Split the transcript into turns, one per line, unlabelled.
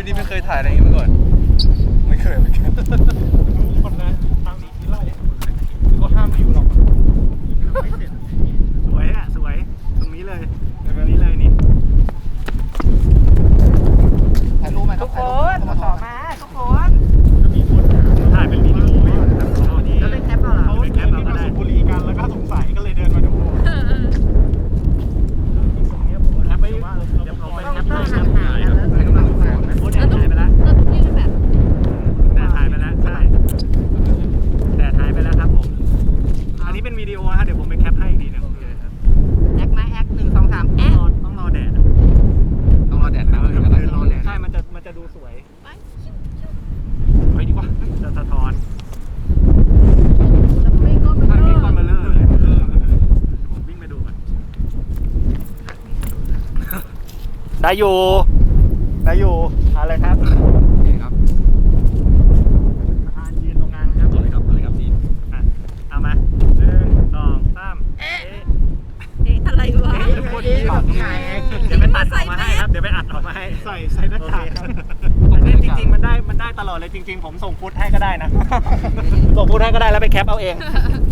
นี่ไม่เคยถ่ายอะไรอย่างนี้มาก่อนไม่เคยเหมือนกัน
รู้คนนะทางหนีทีไล่ก็ห้ามไม่อยู่หรอกไม่เสร็จสวยอ่ะสวยตรงนี้เลยตรงนี้เลยนี่
ถ่ายรูปไหมครับ
ทุกคนมาต่อมาทุกคน
ถ้ามีคนถ่ายเป็นวิดีโอไว้อยู่นะครับ
แล้วเล่นแคปเอาเหรอ
เขาเดินมาสูบบุหรี่กันแล้วก็สงสัยก็เลยเดินมาดูตรงนี้ผมแคปไว้เดี๋ยวเราไปแคปให้ครับถ่ายครับถ่ายกำลังถ่ายโอ้แดดหายไปแล้วแดดหายไปแล้วใช่แดดหายไปแล้วครับผมอันนี้เป็นวิดีโอนะเดี๋ยวผมไปแคปให้อีกทีนึง
แอคไหมแอค1 2 3แอค
ต้องรอแดด
ต้องรอแดดนะ
ใช่มันจะดูสวยไปดีกว่าจะสะท้อน
แล้วไม่ก็มัน
ถ้า
ก็
มีก้อนมาเลอร์เลยผมวิ่งไปดูก่อนได้อยู่อะไรครับ
โอเคครับ
ประธานยืนตรงกลางนะครับ
เอาเลยครับพี่
เอามา1 2 3
เอ๊ะอะไรวะ
คนที่บอกไงเดี๋ยวไปตัดออกมาให้ครับเดี๋ยวไปอัดออกมาให้ใส่หน้ากากครับอันนี้จริงๆมันได้ตลอดเลยจริงๆผมส่งฟุตให้ก็ได้นะส่งฟุตให้ก็ได้แล้วไปแคปเอาเอง